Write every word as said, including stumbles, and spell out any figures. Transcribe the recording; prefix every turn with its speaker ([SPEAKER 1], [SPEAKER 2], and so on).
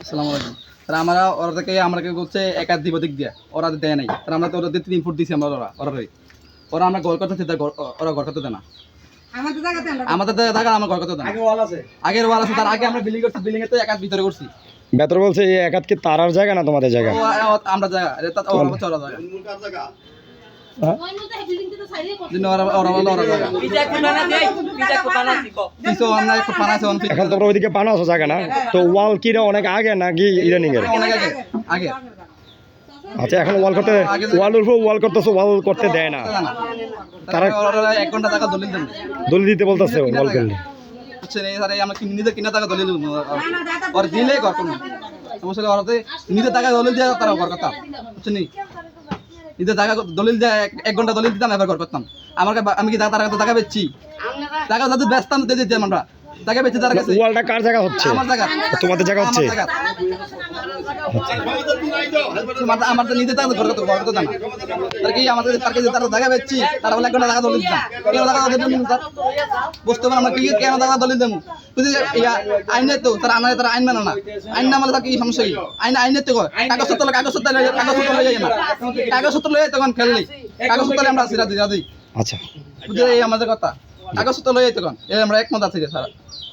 [SPEAKER 1] আসসালামু আলাইকুম স্যার। আমরা ওরা থেকে আমাকে বলছে একাত দিব দিক দিয়া, ওরা দেয় নাই স্যার। আমরা তো ওদের তিন ফুট দিছি আমরা, ওরা ওরা ওরা আমরা ঘর করতে ওরা ঘর করতে দেয় না। আমাদের জায়গা থাকা আমার ঘর করতে দেয় না। আগের ওয়াল আছে, তার আগে আমরা বিল্ডিং করছি, বিল্ডিং এ তো একাত ভিতরে করছি।
[SPEAKER 2] ভেতর বলছে এই একাত কি তারার জায়গা না তোমাদের জায়গা?
[SPEAKER 1] আমরা জায়গা ওরা চলা জায়গা।
[SPEAKER 2] এখন তোমরা ওইদিকে পানো আছো জায়গা না, তো ওয়াল কি অনেক আগে নাকি ইদানিং এর?
[SPEAKER 1] আগে।
[SPEAKER 2] আচ্ছা, এখন ওয়াল করতে ওয়ালের উপর ওয়াল করতেছো, ওয়াল করতে দেয় না তারা।
[SPEAKER 1] এক ঘন্টা টাকা দলিল দেন,
[SPEAKER 2] দলিল দিতে বলতেছে ওয়াল করলে।
[SPEAKER 1] বুঝছেন? এই স্যার আমরা নিজেদের কিনা টাকা দলিল দেবো, ওর দিলে ঘর করবো। সমস্যা ওরাতে নিজের টাকা দলিল দিয়ে তারা ঘর করতাম। বুঝছেন? নিজের টাকা দলিল দিয়ে এক ঘন্টা দলিল দিতাম, এবার ঘর করতাম। আমার আমি কি তার কাছে টাকা বেচছি? টাকা যাদের ব্যস্তাম দিয়ে দিতাম আমরা, টাকা বেচছি তার কাছে।
[SPEAKER 2] ওয়ালটা কার জায়গা হচ্ছে?
[SPEAKER 1] আমার জায়গা।
[SPEAKER 2] তোমাদের জায়গা হচ্ছে?
[SPEAKER 1] আমার তো নিজে টাকা ঘর করতে ঘর করতে না, তার কি আমাদের তার কাছে তারা টাকা বেচছি, তারা বলে এক ঘন্টা টাকা দলিল দিতাম। কেন টাকা দলিল দিতাম স্যার? বুঝতে পারেন আমরা কি কেন টাকা দলিল দেবো? বুঝলি আইনে তো তারা আনায়, তারা আইন মানে না। আইন না মানে তার কি সমস্যা? কি আইন আইনের তো কাগজপত্র কাগজপত্র কাগজপত্র লয়ে যায় না, কাগজপত্র লয়ে তখন খেললি কাগজপত্র আমরা সিরা দিই।
[SPEAKER 2] আচ্ছা,
[SPEAKER 1] বুঝলি? এই আমাদের কথা, কাগজপত্র লয়ে তখন এই আমরা একমত আছি স্যার।